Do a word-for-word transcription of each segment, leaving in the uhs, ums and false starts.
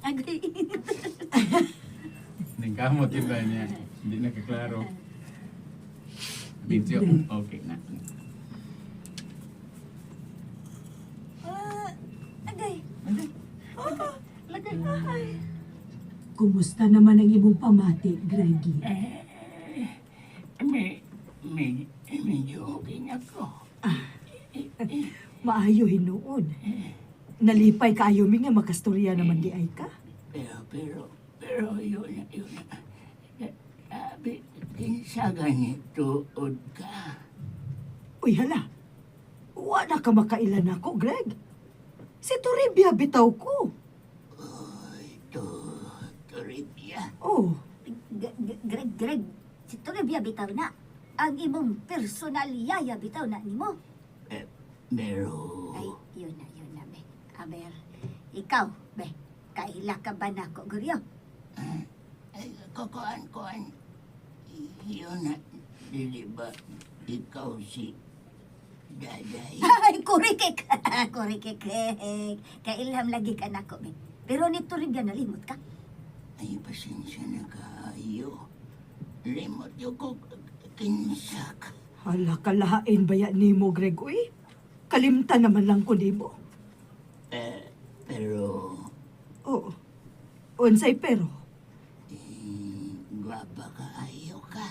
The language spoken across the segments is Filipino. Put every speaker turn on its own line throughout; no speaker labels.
Agay.
Nagkamot yun ba niya? Hindi nakaklaro. Video, okay na.
Ah, agay.
Ano? Lagay.
Ay.
Kumusta naman ang imong pamati, Greggy?
Eh, may, may, medyo okay na ko.
Maayo hinuon. Nalipay kaayo mi nga makastorya naman di ay ka.
Pero, pero, pero, yun na, yun na. Sabi, kinsa ganito, od ka.
Uy, hala. Wala ka makailan ako, Greg. Si Toribia bitaw ko.
Uy, to, Toribia.
Oh,
G- G- Greg, Greg. Si Toribia bitaw na. Ang imong personal yaya bitaw na nimo.
Eh, pero,
Ay, yun na, yun na, be. Aber, ikaw, be. Kaila ka ba na ko, Guryo?
ay, kukuan, kuan. Yun na, dili ba, ikaw si Daday?
Ay, kurikik. Kurikik. Kailham lagi ka na ko, be. Pero ni Toribia nalimot ka.
Ay, pasensya na kayo. Limot yung ko kinsak.
hala kalahain ba yan nimo, Greg? Uy, kalimtan naman lang ko nimo.
Eh, pero,
Oo. Unsay pero?
eh, gwapa ka ayo ka.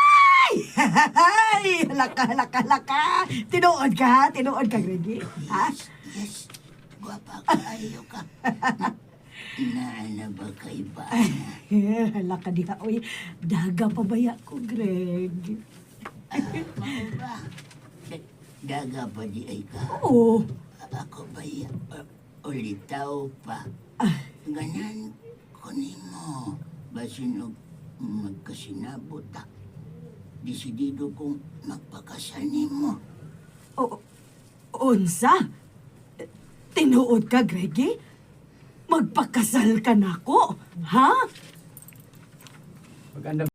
Ay! Halaka, halaka, halaka! Tinuod ka, ha? Tinuod ka, Greggy? Ha?
Yes, yes, gwapa ka ayo ka. Naana ba kay ba?
Eh, halaka diha. Uy, daga pa baya ko, Greg.
Ah, mao ba? Da- Daga pa di ay ka.
Oo.
Ako ba ya? Uh, ulitaw pa.
Ah,
Ganan ko nimo. Basin og magkasinabot ta. Desidido kong magpakasal nimo.
o, unsa? Tinuod ka, Greggy? Magpakasal ka na ko, ha?
Pag